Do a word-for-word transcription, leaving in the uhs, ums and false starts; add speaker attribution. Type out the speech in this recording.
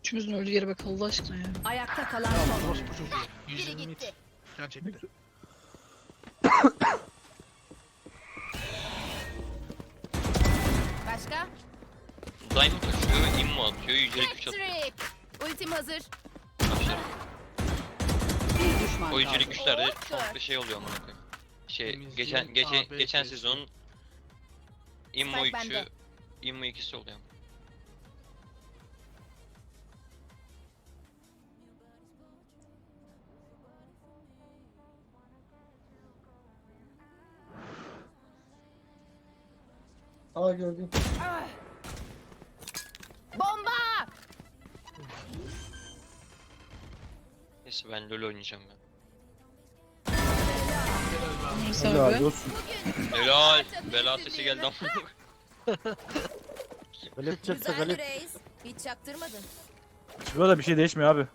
Speaker 1: Üçümüzün öldüğü yere bak Allah aşkına ya.
Speaker 2: Ayakta kalan
Speaker 3: Ya
Speaker 2: son.
Speaker 3: orospu çocuğu.
Speaker 4: Biri
Speaker 3: yüz yirmi
Speaker 4: gitti.
Speaker 3: mit. Gerçekten.
Speaker 4: Başka?
Speaker 5: Diamond açıyor, immo atıyor, yücelik güç atıyor.
Speaker 4: Patrick. Ultim hazır.
Speaker 5: Arkadaşlar,
Speaker 2: Bir düşman
Speaker 5: o yücelik
Speaker 2: kaldı.
Speaker 5: güçlerde
Speaker 4: Hop,
Speaker 5: komple şey oluyor amına koyayım. Şey,
Speaker 3: Temizliğin
Speaker 5: geçen geçen
Speaker 3: A B
Speaker 5: geçen
Speaker 3: C'si.
Speaker 5: sezonun immo
Speaker 4: Spike
Speaker 5: üçü,
Speaker 4: bende.
Speaker 5: immo ikisi oluyor.
Speaker 6: Aa gördüm.
Speaker 4: Bomba!
Speaker 5: Neyse ben LoL oynayacağım ben.
Speaker 1: Neyse
Speaker 6: Helal
Speaker 1: abi.
Speaker 6: olsun.
Speaker 5: Helal, bela sesi geldi amına koyayım.
Speaker 6: Galip çekse
Speaker 4: Güzel
Speaker 6: galip.
Speaker 4: reis. Hiç çaktırmadın.
Speaker 6: Böyle bir şey değişmiyor abi.